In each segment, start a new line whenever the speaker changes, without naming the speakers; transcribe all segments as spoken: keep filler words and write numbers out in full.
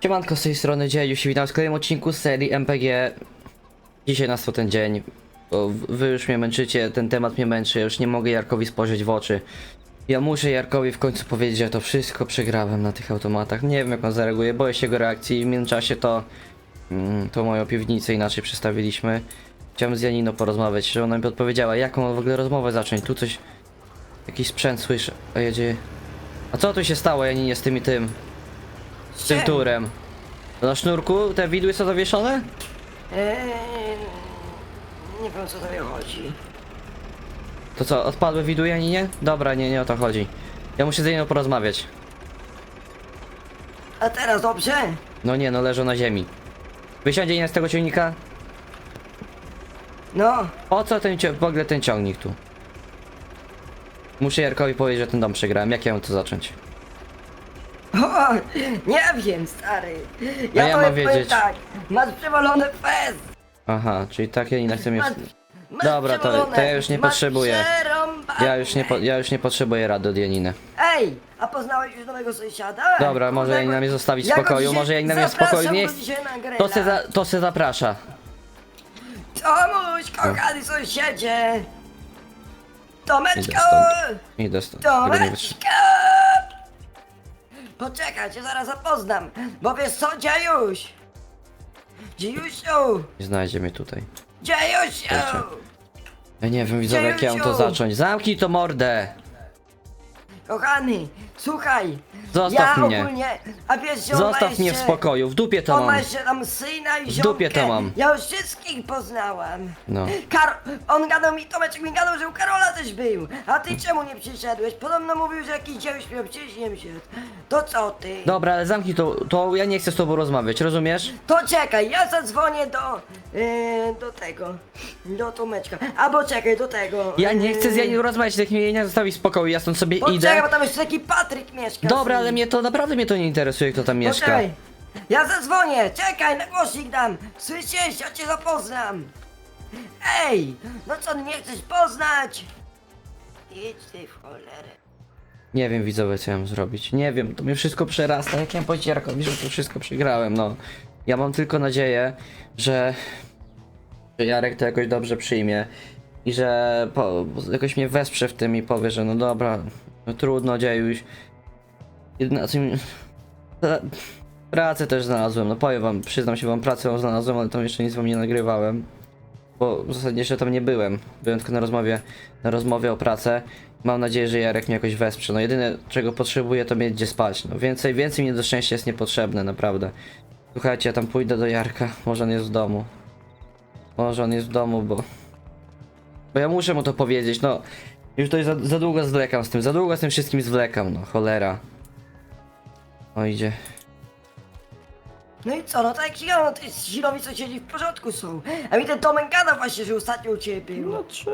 Siemanko, z tej strony Dziejuś i witam w kolejnym odcinku z serii M P G. Dzisiaj nastał ten dzień, bo wy już mnie męczycie, ten temat mnie męczy, ja już nie mogę Jarkowi spojrzeć w oczy. Ja muszę Jarkowi w końcu powiedzieć, że to wszystko przegrałem na tych automatach. Nie wiem, jak on zareaguje, boję się jego reakcji. W międzyczasie to, mm, to moją piwnicę inaczej przestawiliśmy. Chciałem z Janiną porozmawiać, że ona mi odpowiedziała, jaką w ogóle rozmowę zacząć. Tu coś, jakiś sprzęt słyszę, a jedzie. A co tu się stało, Janinie, z tym i tym? Z tym turem? To na sznurku te widły są zawieszone?
Eee, nie wiem, co tobie chodzi.
To co, odpadły widły, Janinie? Dobra, nie, nie o to chodzi. Ja muszę z Janiną porozmawiać.
A teraz dobrze?
No nie, no leżą na ziemi. Wysiądzie Janina z tego ciągnika?
No,
Po co ten cio- w ogóle ten ciągnik tu? Muszę Jarkowi powiedzieć, że ten dom przegrałem. Jak ja mam to zacząć?
o, nie wiem, stary.
A ja
tobie
mam
powiem
wiedzieć.
tak, masz przewalony fez.
Aha, czyli tak Janina chce mnie...
Masz, masz
Dobra, to-
przewalone,
to ja już nie
masz
potrzebuję.
przerąbane.
Ja już nie, po- ja już nie potrzebuję rady od Janiny.
Ej, a poznałeś już nowego sąsiada?
Dobra, może
Kurde,
Janina mnie zostawić w
ja go
spokoju,
dzisiaj
może Janina mnie w
zapraszam
spokoju nie
go
chce.
dzisiaj na grilla.
To se, za, to se zaprasza.
Tomuś, kochany sąsiedzie.
Idę
Tomeczko!
stąd. Idę stąd. Tego nie wytrzymam.
Tomeczko! Poczekaj, cię zaraz zapoznam, bo wiesz co, Dziejuś? Dziejusiu!
Nie znajdzie mnie tutaj.
Dziejusiu!
Kurczę. Ja nie wiem, widzowie, jak ja mam to
Dziejusiu!
zacząć. Zamknij to mordę!
Kochany, słuchaj!
Zostaw
ja
mnie.
ogólnie, a wiesz, że on ma
Zostaw mnie w
jeszcze-
spokoju, w dupie to
On ma
mam.
jeszcze tam syna i
W dupie
ziomkę.
to mam.
Ja już wszystkich poznałam.
No.
Kar... On gadał mi, Tomeczek mi gadał, że u Karola też był. A ty czemu nie przyszedłeś? Podobno mówił, że jakiś dziejuś miał wcześniej się. To co ty?
Dobra, ale zamknij to, to ja nie chcę z tobą rozmawiać, rozumiesz?
To czekaj, ja zadzwonię do... Yy, do tego... Do Tomeczka. Albo czekaj, do tego...
Ja nie
yy,
chcę z Janiną rozmawiać, niech mnie Janina zostawi w spokoju, ja stąd sobie
Poczekaj,
idę.
bo tam jeszcze taki Patryk mieszka.
Dobra,
z
ale
nim.
mnie to, naprawdę mnie to nie interesuje, kto tam mieszka.
Poczekaj. Ja zadzwonię, czekaj, na głosik dam. Słyszysz, ja cię zapoznam. Ej, no co, nie chcesz poznać? Idź ty w cholerę.
Nie wiem, widzowie, co ja mam zrobić. Nie wiem, to mnie wszystko przerasta. Jak ja mam powiedzieć Jarkowi, że to wszystko przegrałem, no. Ja mam tylko nadzieję, że, że Jarek to jakoś dobrze przyjmie i że po, jakoś mnie wesprze w tym i powie, że no dobra, no trudno, Dziejuś. Jedyna, co mi... Ta- Pracę też znalazłem, no powiem wam, przyznam się wam, pracę wam znalazłem, ale tam jeszcze nic wam nie nagrywałem. Bo w zasadzie jeszcze tam nie byłem. Byłem tylko na rozmowie, na rozmowie o pracę. Mam nadzieję, że Jarek mnie jakoś wesprze. No jedyne, czego potrzebuję, to mieć gdzie spać. No więcej, więcej mi do szczęścia jest niepotrzebne, naprawdę. Słuchajcie, ja tam pójdę do Jarka. Może on jest w domu. Może on jest w domu, bo... Bo ja muszę mu to powiedzieć, no. Już to za, za długo zwlekam z tym, za długo z tym wszystkim zwlekam, no. Cholera. O, idzie.
No i co, no tak jak ci gadał, no to jest Zilowi sąsiedzi w porządku są. A mi ten Tomek gadał właśnie, że ostatnio u ciebie był.
Znaczy,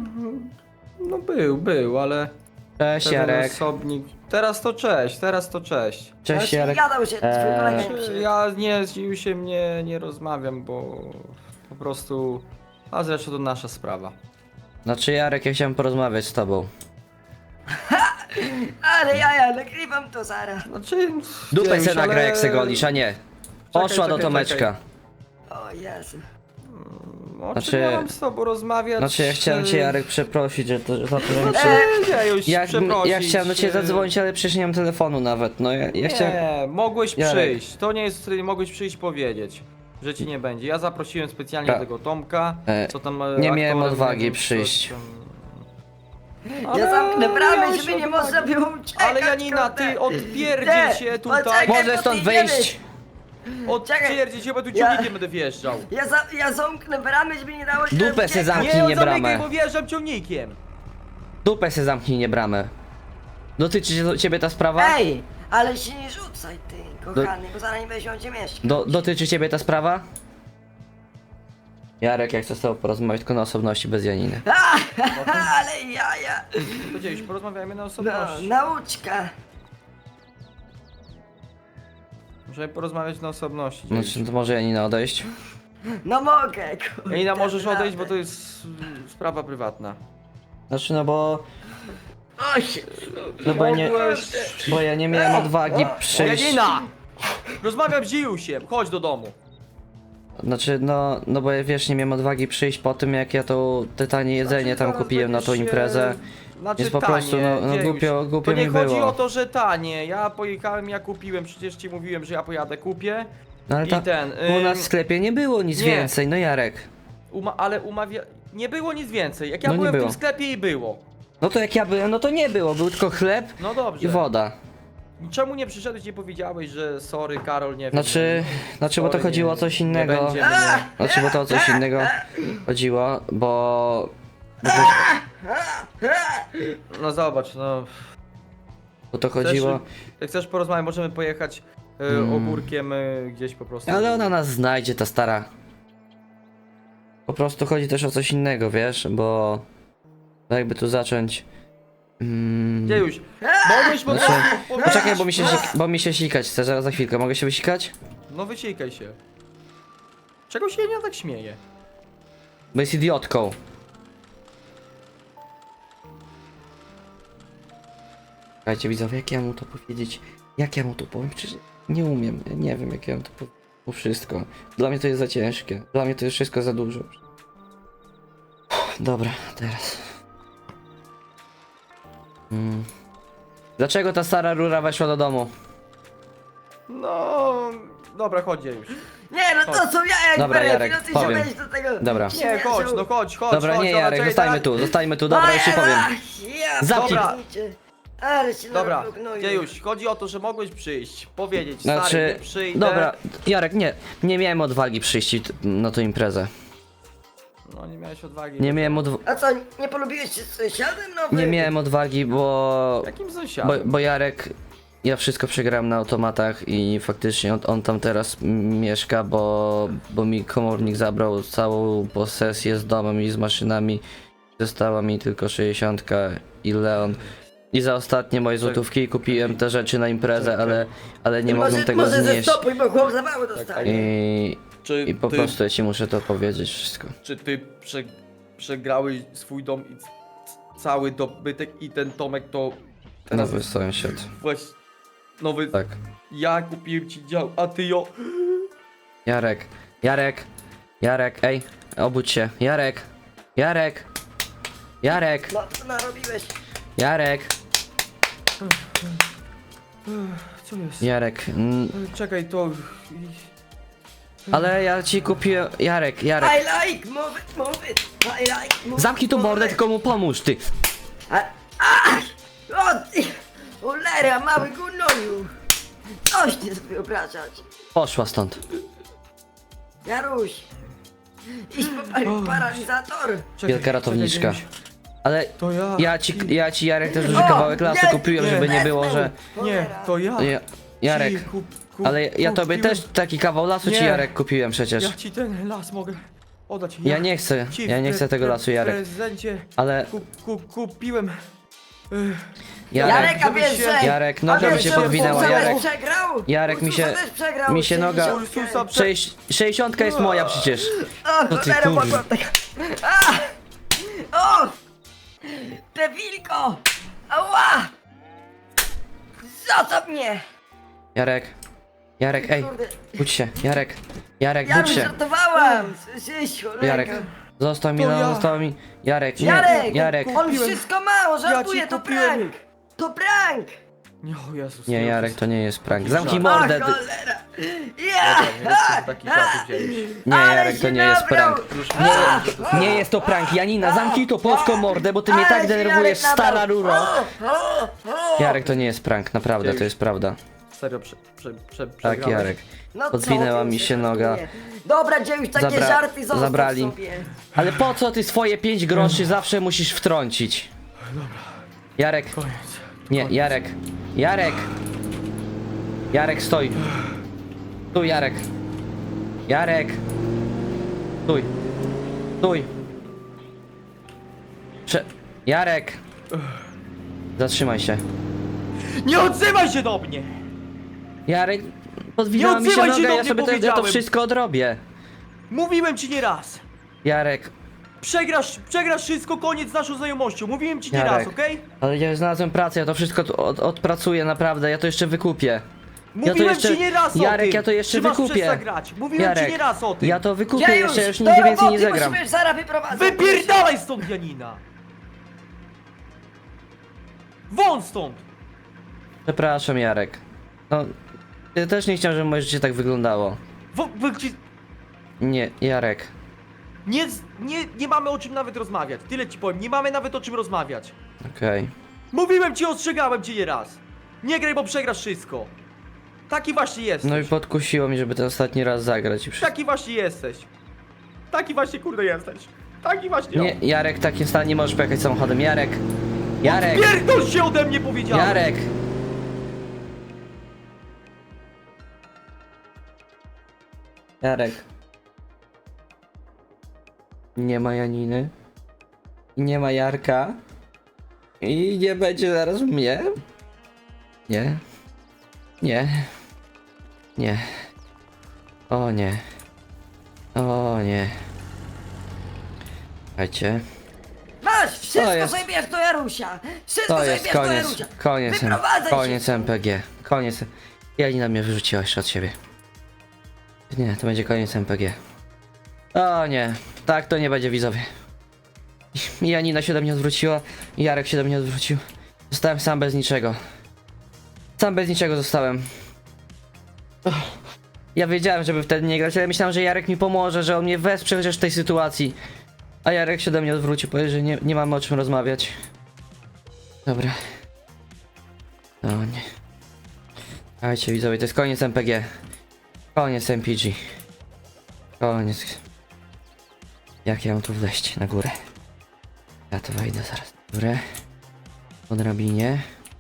no był, był, ale
Cześć,
ten
Jarek.
osobnik... Teraz to cześć, teraz to cześć.
Cześć,
Właśnie
Jarek.
gadał, że twój
Eee.
kolega nie
Znaczy,
przyszedł.
ja nie z Dziusiem nie, nie rozmawiam, bo po prostu... A zresztą to nasza sprawa.
Znaczy, Jarek, ja chciałem porozmawiać z tobą.
Ale ja, ja nagrywam to zaraz.
Znaczy...
Dupę
Dziuś,
se nagra,
ale-
jak se golisz, a nie. Poszła do
czekaj,
Tomeczka.
czekaj.
O Jezu.
O
Znaczy-
czym ja mam z tobą rozmawiać?
Znaczy, ja chciałem cię, Jarek, przeprosić, że to, że za to, że mi przy...
Eee, Dziuś,
Ja,
przeprosić.
ja chciałem do ciebie
e,
zadzwonić, ale przecież nie mam telefonu nawet, no ja, ja
Nie,
chciałem...
mogłeś
Jarek.
przyjść. To nie jest, mogłeś przyjść powiedzieć, że ci nie będzie. Ja zaprosiłem specjalnie
Ta-
tego Tomka,
E,
co tam... e,
nie miałem
aktorem,
odwagi
nie wiem,
przyjść.
coś tam-
Ja
Ale
zamknę bramę,
miałeś
żeby nie
odwagę.
można było uciekać.
Ale Janina,
kurde.
ty odpierdziel
Nie,
się tutaj.
poczekaj,
Możesz
bo
stąd
ty
wyjść!
Odpierdziel się, bo tu
Ja-
ciągnikiem będę wjeżdżał.
Ja, za, ja zamknę bramę, żeby nie dało się
Dupę
uciekać.
se zamknij.
Nie,
nie
zamykaj,
bramę.
bo wjeżdżam ciągnikiem.
Dupę se zamknij, nie bramę. Dotyczy się ciebie ta sprawa?
Ej, ale się nie rzucaj ty, kochany, bo zaraz nie będzie gdzie mieszkać.
Do, dotyczy ciebie ta sprawa? Jarek, jak chcę z tobą porozmawiać, tylko na osobności, bez Janiny.
Ale jaja.
Powiedziałeś, porozmawiajmy na
No,
osobności.
nauczka.
Muszę porozmawiać na osobności.
Znaczy, to może Janina odejść?
No mogę, kurde.
Janina, możesz odejść, bo to
naprawdę.
jest mm, sprawa prywatna.
Znaczy, no bo...
Oj,
No bo ja nie...
Mogłeś...
Bo ja nie miałem odwagi przyjść...
Janina! Rozmawiam z Dziusiem, chodź do domu.
Znaczy, no, no bo ja wiesz, nie miałem odwagi przyjść po tym, jak ja to te tanie jedzenie tam
Zaraz
kupiłem na tą
będziesz się-
imprezę.
Znaczy
Więc po
tanie,
prostu, no- no
Dziejuś.
głupio- głupio
To nie
mi
chodzi
było.
o to, że tanie. Ja pojechałem, ja kupiłem, przecież ci mówiłem, że ja pojadę, kupię.
No ale
I
ta,
ten,
u
ym,
nas w sklepie nie było nic
nie.
więcej, no Jarek.
Uma ale umawia... Nie było nic więcej. Jak ja
No nie
byłem w
było.
tym sklepie i było.
No to jak ja byłem, no to nie było, był tylko chleb
No dobrze.
i woda.
Czemu nie przyszedłeś i nie powiedziałeś, że sorry Karol, nie wiem.
Znaczy, znaczy bo to
sorry,
chodziło o
nie-
coś
nie
innego.
będzie mnie.
Znaczy, bo to o coś innego chodziło, bo... bo to-
No zobacz, no...
Bo to
Chcesz,
chodziło...
jak chcesz porozmawiać, możemy pojechać e,
Mm.
ogórkiem e, gdzieś po prostu.
Ale ona nas znajdzie, ta stara. Po prostu chodzi też o coś innego, wiesz, bo... bo jakby tu zacząć... Mm,
Dziejuś, mogłeś po
Znaczy,
prostu powiedzieć-
poczekaj, bo mi się, sik- bo mi się sikać chce, zaraz za chwilkę, mogę się wysikać?
No wysikaj się. Czego się nie tak śmieje?
Bo jest idiotką. Słuchajcie widzowie, jak ja mu to powiedzieć? Jak ja mu to powiem? Przecież nie umiem, ja nie wiem jak ja mu to powiem. To wszystko. Dla mnie to jest za ciężkie. Dla mnie to jest wszystko za dużo. Dobra, teraz. Mm. Dlaczego ta stara rura weszła do domu?
No... Dobra, chodź Dziejuś.
Nie, no to są ja jak
Dobra,
berę,
Jarek,
no ty
powiem.
się weź do tego.
Dobra.
Nie, chodź, no chodź, chodź,
Dobra,
chodź,
nie
dobra,
Jarek,
czekaj,
zostajmy
teraz-
tu, zostajmy tu, dobra, już ci powiem.
Ja,
Zamknij.
Dobra.
pierniczę. Ale się
Dobra,
narobił gnoju.
Dziejuś, chodzi o to, że mogłeś przyjść, powiedzieć, stary,
Znaczy,
nie przyjdę.
dobra, Jarek, nie, nie miałem odwagi przyjść t- na tą imprezę.
No nie miałeś odwagi.
Nie miałem odwagi.
A co, nie polubiłeś się z sąsiadem nowym?
Nie miałem odwagi, bo,
Jakim
bo,
sąsiadem?
bo Jarek, ja wszystko przegrałem na automatach i faktycznie on, on tam teraz m- mieszka, bo, bo mi komornik zabrał całą posesję z domem i z maszynami. Została mi tylko sześćdziesiątka i Leon. I za ostatnie moje złotówki kupiłem te rzeczy na imprezę, ale, ale nie
może,
mogłem tego
może
znieść.
zestopuj, bo chłop za mało dostanie.
I,
Czy
I po
ty,
prostu ja ci muszę to powiedzieć wszystko.
Czy ty prze, przegrałeś swój dom i c- c- cały dobytek i ten Tomek to... teraz
Nowy sąsiad.
Właśnie... Nowy...
Tak.
Ja kupiłem ci dział, a ty jo...
Jarek, Jarek, Jarek, ej, obudź się. Jarek, Jarek, Jarek,
No, co narobiłeś?
Jarek,
Co jest?
Jarek. Mm,
Czekaj, to...
ale ja ci kupiłem. Jarek, Jarek.
I like, move it, move it. I like, move
Zamknij
it,
tu
move
mordę,
it.
tylko mu pomóż, ty.
A, a, o ty, cholera, mały gnoju. Coś nie sobie wyobrażać.
Poszła stąd.
Jaruś, idź po paralizator.
Czekaj,
Wielka ratowniczka.
czekaj, Dziejuś.
Ale
To ja.
ja ci, ja ci Jarek też duży
O,
kawałek lasu
nie,
kupiłem,
nie,
żeby nie było, że.
Nie,
Cholera.
to ja.
Ja, Jarek,
Ci kup, kup,
ale ja tobie
kupiłem-
też taki kawał lasu ci
Nie.
Jarek kupiłem przecież.
Ja ci ten las mogę oddać.
Ja nie chcę,
ci
ja nie
w
chcę tego
pre-
lasu Jarek.
prezencie
Ale
kup, kup, kupiłem. Ech,
Jarek,
Jarek, a
żeby
wiesz,
się-
że...
Jarek,
a
noga
wiesz,
mi się
że
podwinęła,
Ursusa
Jarek.
też przegrał?
Jarek, mi
Ursusa
się-
też przegrał,
mi się noga-
sześćdziesiątkę.
Ursusa prze-
Sześć, sześćdziesiątka jest moja przecież.
O,
To ty,
cholera,
kurwa.
mogłam tak... A! O! Te wilko! Ała! Zostaw mnie!
Jarek, Jarek, ej,
Kurde.
budź się, Jarek, Jarek,
Ja
budź
już
się.
żartowałam! Słyszysz, cholera.
Jarek, został mi,
To
no,
ja.
został mi. Jarek, nie,
Jarek!
Jarek.
On
Kupiłem.
wszystko ma, on żartuje,
Ja ci
to
kupiłem.
prank! To prank!
Nie, o Jezus.
Nie,
Jezus.
Jarek, to nie jest prank.
Taki
Zamknij
żart.
mordę.
O,
ty-
cholera! Ja!
Dobra, nie jest taki żart wzięłeś.
Nie,
Ale
Jarek, to
się
nie jest
nabrał.
prank.
Już
Nie,
myślałem, że to
nie jest to prank. Janina, zamknij to polską mordę, bo ty mnie
Ale
tak
się
denerwujesz,
Jarek
stara
nabrał.
ruro.
O, o, o.
Jarek, to nie jest prank, naprawdę, to jest prawda.
serio prze, prze, prze,
Tak,
przegrałeś.
Jarek.
No co
Podwinęła
ty
mi się noga.
żartuje? Dobra, gdzie już takie
Zabra-
żarty zostaw
zabrali.
sobie.
Ale po co ty swoje pięć groszy zawsze musisz wtrącić? Jarek,
Koniec.
nie, Jarek, Jarek. Jarek, stoi. Stój, Jarek. Jarek. Stój. Stój. Prze... Jarek. Zatrzymaj się.
Nie odzywaj się do mnie!
Jarek, podwinęła
Nie
mi się
odzywaj się
noga,
do
ja
mnie,
sobie to, ja to
powiedziałem.
wszystko odrobię.
Mówiłem ci nie raz!
Jarek,
Przegrasz, przegrasz wszystko, koniec z naszą znajomością. Mówiłem ci nie
Jarek.
raz, okej?
ale ja znalazłem pracę, ja to wszystko tu od, odpracuję, naprawdę, ja to jeszcze wykupię.
Mówiłem
jeszcze-
ci nie raz o
Jarek,
tym.
ja to jeszcze
Czy masz
wykupię.
przestać grać? Mówiłem
Jarek,
ci nie raz o tym.
Ja to wykupię
Gdzie
jeszcze,
już?
już
Do
nigdy więcej nie
roboty,
zagram.
musimy zaraz wyprowadzać.
Wypierdalaj stąd, Janina! Won stąd!
Przepraszam, Jarek. No, ja też nie chciałem, żeby moje życie tak wyglądało.
Wo, wy, ci-
Nie, Jarek.
nie, z- nie, nie mamy o czym nawet rozmawiać. Tyle ci powiem, nie mamy nawet o czym rozmawiać.
Okej.
Mówiłem ci, ostrzegałem cię nie raz. Nie graj, bo przegrasz wszystko. Taki właśnie jesteś.
No i podkusiło mi, żeby ten ostatni raz zagrać i wszystko.
Taki właśnie jesteś. Taki właśnie kurde jesteś. Taki właśnie.
Nie, Jarek, w takim stanie nie możesz pojechać samochodem. Jarek! Jarek!
Pierdol się ode mnie, powiedziałem.
Jarek! Jarek. Nie ma Janiny. Nie ma Jarka. I nie będzie zaraz mnie. Nie. Nie. Nie. O nie. O nie. Słuchajcie.
Masz, wszystko
To jest-
sobie bierz do Jarusia. Wszystko
To
sobie
jest
bierz do
koniec.
Jarusia.
Koniec. M-
Wyprowadzaj
Koniec
się.
M P G. Koniec. Janina mnie wyrzuciła jeszcze od siebie. Nie, to będzie koniec M P G. O nie. Tak to nie będzie, widzowie. I Janina się do mnie odwróciła. I Jarek się do mnie odwrócił. Zostałem sam bez niczego. Sam bez niczego zostałem. Uff. Ja wiedziałem, żeby wtedy nie grać, ale myślałem, że Jarek mi pomoże, że on mnie wesprze chociaż w tej sytuacji. A Jarek się do mnie odwrócił, powiedział, że nie, nie mamy o czym rozmawiać. Dobra. No nie. Słuchajcie, widzowie, to jest koniec M P G. Koniec M P G. Koniec. Jak ja mam tu wleźć na górę? Ja to wejdę zaraz na górę. Po drabinie.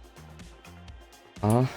O.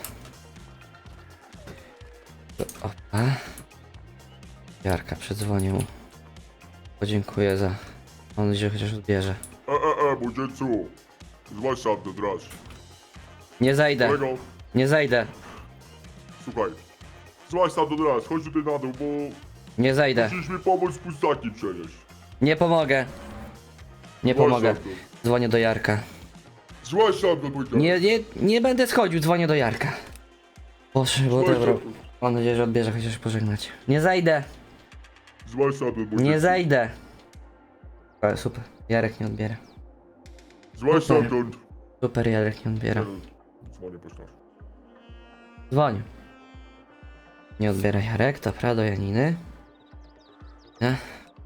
To opa. Jarka, przedzwonię mu. Podziękuję za... Mam nadzieję, że chociaż odbierze.
E, e, e, młodzieńcu! Złaź sam ten draż.
Nie zajdę.
Kolego,
Nie zajdę.
słuchaj. Złaź sam ten draż, chodź tutaj na dół, bo
Nie zajdę.
musisz mi pomóc pustaki przenieść.
Nie pomogę. Nie
Złaź
pomogę.
sam
Dzwonię do Jarka.
to. Złaź sam to, mój
Nie, nie, nie będę schodził, dzwonię do Jarka. Boże, bo
Złaź
dobra.
sam to.
Mam nadzieję, że odbierze chociaż pożegnać. Nie zajdę.
Złaź sam to, młodzieńcu.
Nie zajdę. Ale super. Jarek nie odbiera.
Złaź sam to.
Super, Jarek nie odbiera.
Dzwonię po sztasz.
Dzwoń. Nie odbiera Jarek, dobra, do Janiny. Nie?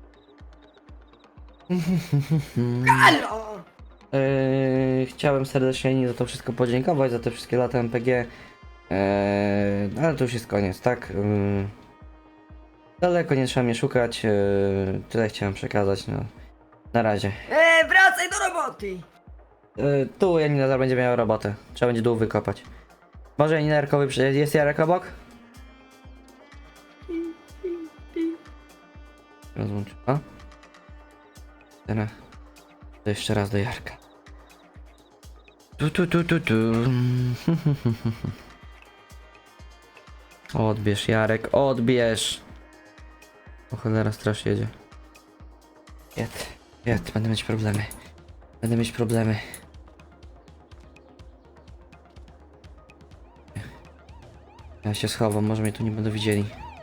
Halo!
Yy, chciałem serdecznie Janinie za to wszystko podziękować, za te wszystkie lata M P G. Yy, ale to już jest koniec, tak? Yy, daleko nie trzeba mnie szukać. Yy, tyle chciałem przekazać. No. Na razie.
E, wracaj do roboty.
Yy, tu Janina zaraz będzie miała robotę. Trzeba będzie dół wykopać. Może Janina Jarkowy przy... Jest Jarek obok? Rozłączyła. Teraz to jeszcze raz do Jarka. Tu tu tu tu tu. Odbierz Jarek, odbierz. O cholera, straż jedzie. Jed, jed, będę mieć problemy. Będę mieć problemy. Ja się schowam, może mnie tu nie będą widzieli.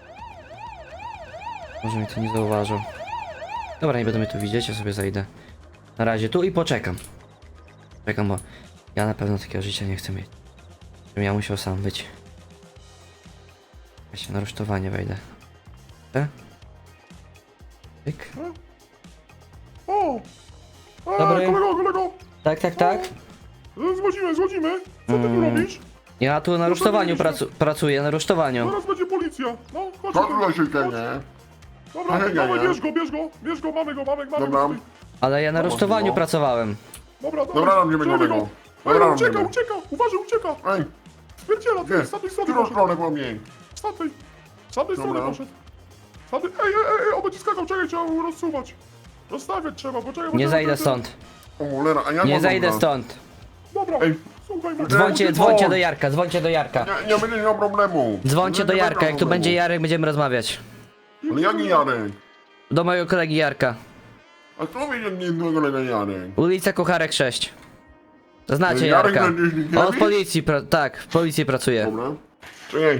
Może mnie tu nie zauważą. Dobra, nie będą mnie tu widzieć, ja sobie zajdę. Na razie tu i poczekam. Czekam, bo ja na pewno takiego życia nie chcę mieć. Żebym ja musiał sam być. Ja się na rusztowanie wejdę. E? Tyk.
O! E,
Dobry.
kolego, kolego!
Tak, tak, tak.
E, Złazimy, złazimy! Co ty tu
Mm.
robisz?
Ja tu na rusztowaniu pracu pracuję, na rusztowaniu.
Zaraz będzie policja. No, chodź
Co
tu.
tu na się
Chodź.
nie?
Dobra,
Hej,
dawaj,
nie.
bierz go, bierz go, bierz go, mamy go, mamy, mamy
Dobra.
go.
Ale ja na
Dobra,
rusztowaniu
no.
pracowałem.
Dobra, dobra.
Dobra, robimy
Trzymaj
nowego.
go.
Dobra,
Ej, ucieka,
robimy.
ucieka, uważaj, ucieka.
Ej,
Spierdziela,
gdzie?
ty, z tamtej
W
strony
którą
poszedł.
stronę mam jej?
Z tamtej, z tamtej strony
Dobra.
poszedł. Z tamtej, ej, ej, ej, on będzie skakał, czekaj, trzeba mu rozsuwać. Rozstawiać trzeba, poczekaj. bo
Nie
trzeba-
zajdę stąd.
O cholera, a jak
Nie
mam
zajdę
dobra?
stąd.
Dobra,
Ej.
słuchaj, bo...
Dzwońcie,
Ej,
dzwońcie
dzwoń.
do Jarka, dzwońcie do Jarka.
Nie, nie będzie miał problemu.
Dzwońcie
Nie
do
będzie
Jarka,
miał
jak tu
problemu.
będzie Jarek, będziemy rozmawiać.
Ale jaki Jarek?
Do mojego kolegi Jarka.
A kto wie, jak nie innego kolega Jarek?
Ulica Kucharek sześć. Znacie
Jarek
Jarka.
Jarek
On w policji, pra tak, w policji pracuje.
Dobra. Czekaj,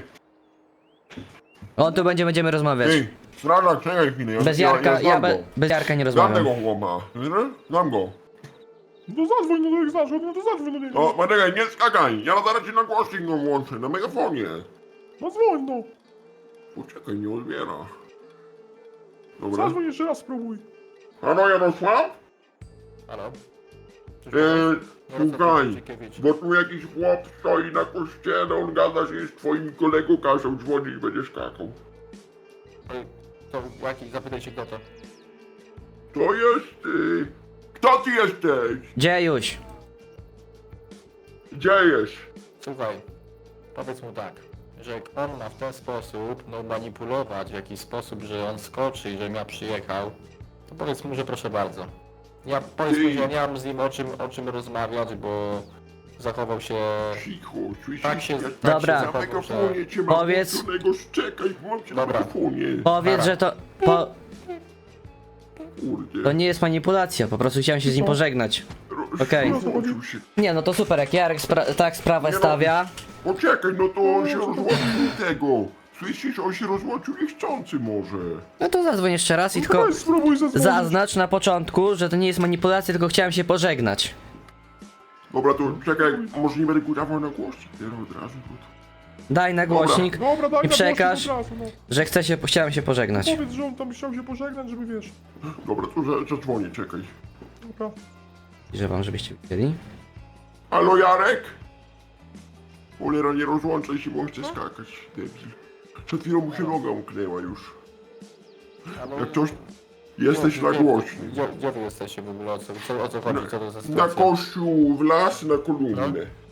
On tu będzie, będziemy rozmawiać.
ej, strażak, czekaj chwilę. Ja,
Bez
ja,
Jarka,
ja,
ja
znam
be,
go.
bez Jarka nie
Znam
rozmawiam.
tego chłopa. Znam go.
No zadzwoń, no to jak znasz, no to zadzwoń do niego.
O, poczekaj, nie skakaj. Ja zaraz ci na głośnik go włączę, na megafonie.
No dzwoń, no.
Poczekaj, nie odbiera. Dobra.
Zadzwoń jeszcze raz, spróbuj.
Halo, Jarosław?
Halo?
Eee, słuchaj,
Czekiewicz.
bo tu jakiś chłop stoi na kościele, on gada się z twoim kolegą, kazał dzwonić, będzie skakał.
Ej, To jaki, zapytaj się kto to.
To jest... Y... Kto ty jesteś?
Dziejuś,
Gdzie jest?
Słuchaj, powiedz mu tak, że jak on ma w ten sposób, no manipulować w jakiś sposób, że on skoczy i żebym ja przyjechał, to powiedz mu, że proszę bardzo. Ja powiedz mu, że ja nie mam z nim o czym, o czym rozmawiać, bo zachował się...
Cicho, słyszysz?
Tak się...
Ja
Tak
Dobra.
Się
na
zachował, że...
megafonie cię mam
Powiedz-
włączonego, czekaj, mam cię na
Dobra.
megafonie.
powiedz,
Nara.
że to... Po,
Kurde.
to nie jest manipulacja, po prostu chciałem się z nim pożegnać.
Ro-
okej.
rozłączył się.
Nie no to super, jak Jarek spra tak sprawę
Nie no.
stawia.
Poczekaj, no to on się rozłączył tego. Słyszysz, on się rozłączył niechcący może.
No to zadzwoń jeszcze raz i
No
tylko
weź spróbuj zadzwonić.
zaznacz na początku, że to nie jest manipulacja, tylko chciałem się pożegnać.
Dobra, to czekaj, może nie będę kudawał na głośnik teraz od razu. bo
Daj na głośnik
Dobra, daj
i
na
przekaż,
głośnik od razu, no.
że chcę się, chciałem się pożegnać.
Powiedz, że on tam chciał się pożegnać, żeby wiesz.
to- Dobra, to za- zadzwonię, czekaj.
Dobra.
I że wam, żebyście widzieli.
Halo, Jarek? Cholera, nie rozłączaj się, bo chcę skakać. Debil. Przed chwilą mu się noga umknęła już.
Halo?
Jak coś... Jesteś na głośnik.
Gdzie, gdzie wy jesteście w ogóle? O co, co, o co chodzi? Co to za
Na
sytuacja?
kościół, w las, na kolumnę.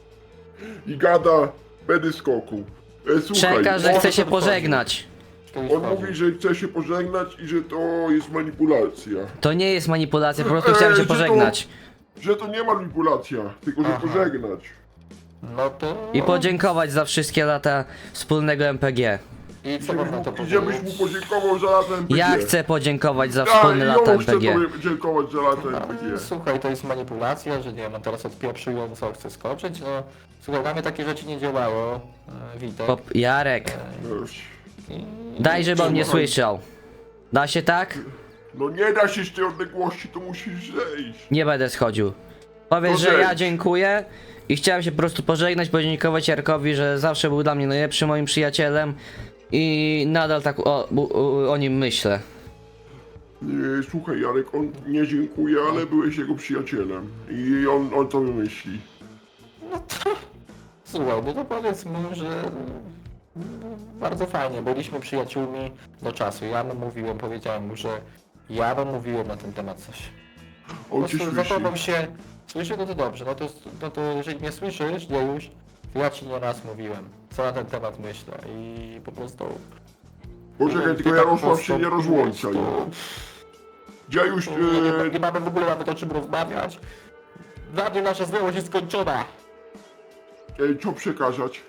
I gada, będę skoku. E, słuchaj,
Przekaż, że
on-
chce się pożegnać.
Kiedyś
On
chodzi.
mówi, że chce się pożegnać i że to jest manipulacja.
To nie jest manipulacja, po prostu chciałem
Ej,
się
że to-
pożegnać.
Że to nie manipulacja, tylko że
Aha.
pożegnać.
No to...
I podziękować za wszystkie lata wspólnego M P G.
I co można to
I żebyś
powiedzieć?
mu podziękował za lata M P G.
Ja chcę podziękować za
Ja,
wspólne
i
lata
on chce
M P G.
tobie podziękować za lata M P G.
Słuchaj, to jest manipulacja, że nie wiem, on teraz odpieprzył, on co chce skoczyć, no... Słuchaj, na mnie takie rzeczy nie działało, e, Witek.
Pop Jarek,
I...
daj, żeby on nie słyszał. Da się tak?
No nie da się z tej odległości, to musisz zejść.
Nie będę schodził. Powiedz,
To
że ja
zejdź.
dziękuję i chciałem się po prostu pożegnać, podziękować Jarkowi, że zawsze był dla mnie najlepszym moim przyjacielem i nadal tak o, o, o nim myślę.
Nie, słuchaj Jarek, on nie dziękuję, ale byłeś jego przyjacielem. I on, on to wymyśli.
Słuchaj, no to powiedz mu, że... mm, Bardzo fajnie, byliśmy przyjaciółmi do czasu. Ja mu mówiłem, powiedziałem mu, że ja mu mówiłem na ten temat coś. Po
On cię
prostu
słyszy.
zachował się... Słyszy, no to dobrze, no to, no to jeżeli mnie słyszysz, nie już, to ja ci nie raz mówiłem, co na ten temat myślę i po prostu...
Poczekaj,
Ty
tylko
tak
Jarosław się nie
postąpiłeś,
rozłączaj.
to-
Ja już...
to Nie, nie,
E,
nie mamy w ogóle nawet o czym rozmawiać. Dla mnie nasza znajomość jest skończona.
e, co przekazać?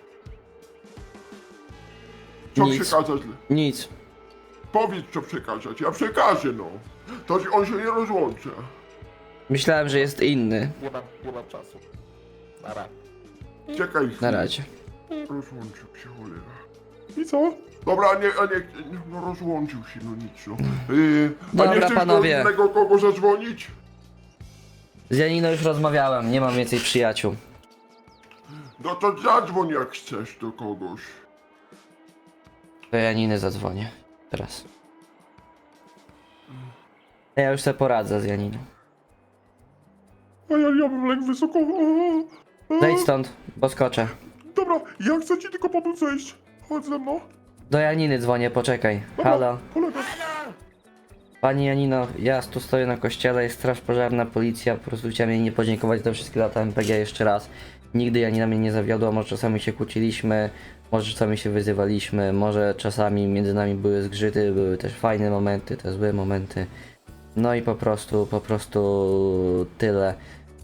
Co
Nic.
przekazać?
Nic.
Powiedz co przekazać, ja przekażę no. To on się nie rozłącza.
Myślałem, że jest inny.
Nie mam, nie mam czasu. Nara.
Czekaj
Na
chwilę.
razie.
Rozłączył się, cholera.
I co?
Dobra, a nie, a nie, no rozłączył się, no nic no. Yy, a
Dobra,
nie chcesz
panowie.
do innego kogo zadzwonić?
Z Janiną już rozmawiałem, nie mam więcej przyjaciół.
No to zadzwoń jak chcesz do kogoś.
Do Janiny zadzwonię. Teraz. Ja już sobie poradzę z Janiną.
A ja, ja bym lękł wysoko. A, a, a.
Zejdź stąd, bo skoczę.
Dobra, ja chcę ci tylko pomóc zejść. Chodź ze mną.
Do Janiny dzwonię, poczekaj.
Dobra,
Halo.
kolega.
Halo!
Pani Janino, ja tu stoję na kościele, jest straż pożarna, policja, po prostu chciałem jej nie podziękować za te wszystkie lata M P G jeszcze raz. Nigdy Janina mnie nie zawiodła, może czasami się kłóciliśmy, może czasami się wyzywaliśmy, może czasami między nami były zgrzyty, były też fajne momenty, te złe momenty. No i po prostu, po prostu tyle.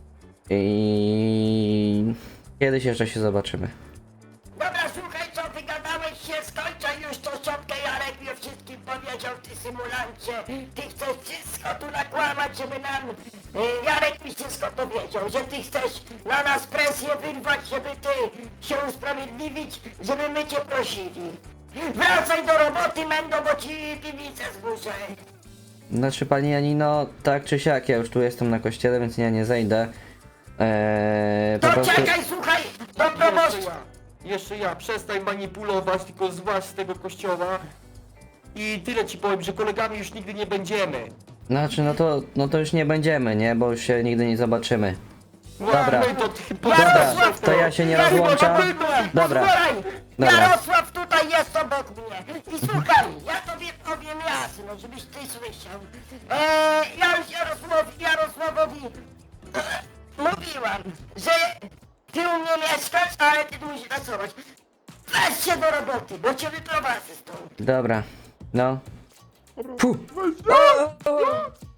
I kiedyś jeszcze się zobaczymy.
Dobra, słuchaj, co ty gadałeś się, skończę już tą szczotkę, Jarek mi o wszystkim powiedział, ty symulancie. Ty chcesz wszystko tu nakłamać, żeby nam Y, Jarek mi wszystko powiedział, że ty chcesz na nas presję wyrwać, żeby ty się usprawiedliwić, żeby my cię prosili. Wracaj do roboty, Mendo, bo ci piwnicę zburzę.
Znaczy pani Janino, tak czy siak, ja już tu jestem na kościele, więc ja nie zejdę. Eee, po
To
prostu...
czekaj, słuchaj, do
Jeszcze
proboszcza.
ja, jeszcze ja, przestań manipulować, tylko złaź z tego kościoła. I tyle ci powiem, że kolegami już nigdy nie będziemy.
Znaczy, no to, no to już nie będziemy, nie? Bo już się nigdy nie zobaczymy. Dobra.
Łamy, to ty
Dobra, to ja się nie rozłączam. Dobra,
Posłuchaj,
dobra.
Jarosław tutaj jest obok mnie. I słuchaj, ja tobie powiem jasno, żebyś ty słyszał. Eee, ja już Jarosław, Jarosławowi mówiłam, że ty u mnie mieszkasz, ale ty tu musisz pracować. Weź się do roboty, bo cię wyprowadzę stąd.
Dobra. No. Puh.
Weź, nie!